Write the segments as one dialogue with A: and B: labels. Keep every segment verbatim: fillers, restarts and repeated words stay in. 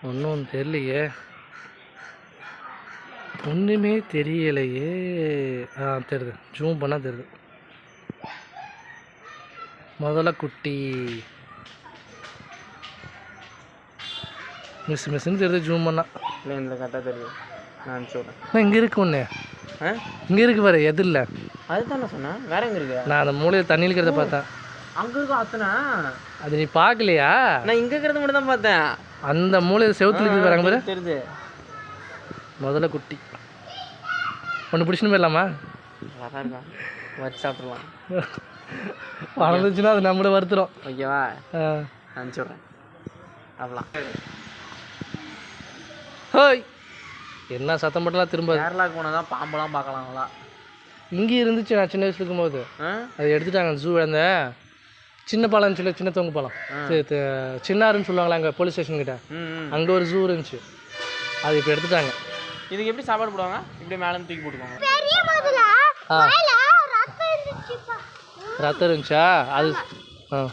A: ஒன்றும் தெரியலையே, ஒன்றுமே தெரியலையே. ஆ தெரியுது, ஜூம் பண்ணால் தெரியுது. முதல்ல குட்டி மிஸ் மிஸ்ன்னு தெரியுது ஜூம் பண்ணால்.
B: இல்லை இந்த கரெக்டாக தெரியுது. நான் சொல்கிறேன்.
A: நான் இங்கே இருக்கு ஒன்று.
B: ஆ
A: இங்கே இருக்கு பாரு, எது இல்லை
B: அதுதான் நான் சொன்னேன். வேற எங்கே இருக்கு?
A: நான் அந்த மூலையில் தண்ணி இருக்கிறத பார்த்தேன்.
B: அங்கே இருக்கும் அத்தனை.
A: அது நீ பார்க்கலையா?
B: நான் இங்கே இருக்கிறத மட்டும் தான் பார்த்தேன்.
A: அந்த மூலையில் செவுத்துல இருக்குது பாருங்க பாரு,
B: தெரியுது.
A: முதல்ல குட்டி ஒன்று பிடிச்சின்னு போயிடலாமா?
B: அழகாக இருக்கான், வச்சு சாப்பிட்றலாம்.
A: வளர்ந்துச்சுன்னா அது நம்மளை வருத்துறோம்.
B: ஓகேவா? அனுப்பிச்சி விட்றேன். அப்படிலாம்
A: ஹோய் என்ன சத்தம் போட்டலாம் திரும்ப.
B: கேரளாவுக்கு போனால் தான் பாம்பெல்லாம் பார்க்கலாங்களா?
A: இங்கே இருந்துச்சு நான் சின்ன வயசுல இருக்கும்போது. அது எடுத்துட்டாங்க ஜூ. அந்த சின்ன பாலம்னு சொல்லி சின்ன தொங்கு பாலம் சின்னாருன்னு சொல்லுவாங்களா அங்கே போலீஸ் ஸ்டேஷன் கிட்ட, அங்கே ஒரு ஜூ இருந்துச்சு. அது இப்போ எடுத்துட்டாங்க. இதுக்கு எப்படி சாப்பாடு போடுவாங்க? இப்படி மேலே தூக்கி போட்டுக்கோங்க. ஆ ரத்தம் இருந்துச்சா? அது ஆ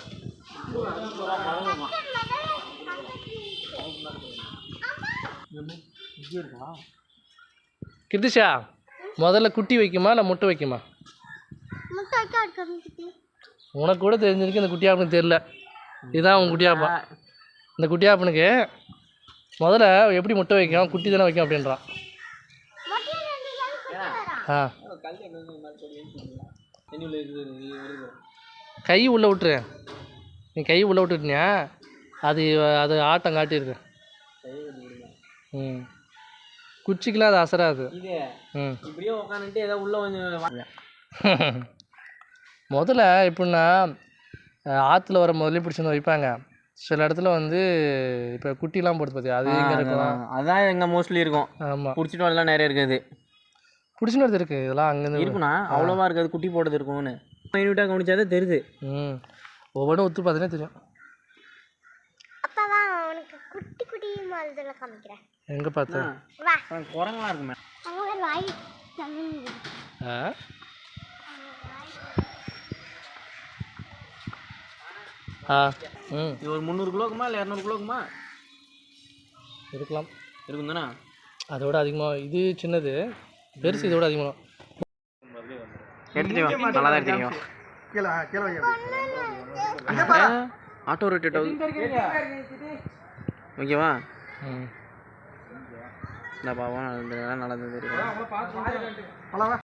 A: கிருத்திஷா, முதல்ல குட்டி வைக்குமா இல்லை முட்டை வைக்குமா? உனக்கு கூட தெரிஞ்சிருக்கு, இந்த குட்டியாப்பனுக்கு தெரியல. இதுதான் உன் குட்டியாப்பா. இந்த குட்டியாப்பனுக்கு முதல்ல எப்படி முட்டை வைக்கும், குட்டி தானே வைக்கும் அப்படின்றான். ஆ கை உள்ளே விட்டுரு. நீ கை உள்ளே விட்டுட்டியா அது அது ஆட்டம் காட்டியிருக்கு. ம் குச்சிக்கெலாம் அது அசராது. ம்
B: இப்படியே உட்காந்துட்டு ஏதோ உள்ள கொஞ்சம்
A: முதல்ல எப்படின்னா ஆற்றுல வர முதல்ல பிடிச்சி வந்து வைப்பாங்க. சில இடத்துல வந்து இப்போ குட்டிலாம் போடுது பார்த்தியா, அது எங்கே இருக்கும்?
B: அதான் எங்கே மோஸ்ட்லி இருக்கும். ஆமாம், பிடிச்சிட்டு வரலாம் நிறைய இருக்குது.
A: பிடிச்சின்னு வருது இருக்குது இதெல்லாம் அங்கேருந்து
B: இருக்குண்ணா. அவ்வளோவா இருக்காது, குட்டி போடுறது இருக்கும்னு மைன்யூட்டாக கவனிச்சாதே தெரியுது.
A: ம் ஒவ்வொன்றும் ஒத்து பார்த்தீங்கன்னா தெரியும்.
C: குட்டி குட்டி மாதிரிலாம் காமிக்கிறேன்.
A: எங்க பார்த்தா
B: குரங்கலாம் இருக்குமே.
A: ஆ ஆ ம்
B: இது ஒரு முந்நூறு கிலோக்குமா இல்லை இரநூறு கிலோக்குமா
A: இருக்கலாம்.
B: இருக்கும் தானே?
A: அதோட அதிகமாக இது சின்னது, பெருசு இதோட அதிகமாக.
B: எடுத்துட்டு நல்லா தான் எடுத்துக்கோ. ஆட்டோ ரொட்டேட் ஆகுது. ஓகேவா? ம் இந்த பாவம் நடந்தது தெரியும்.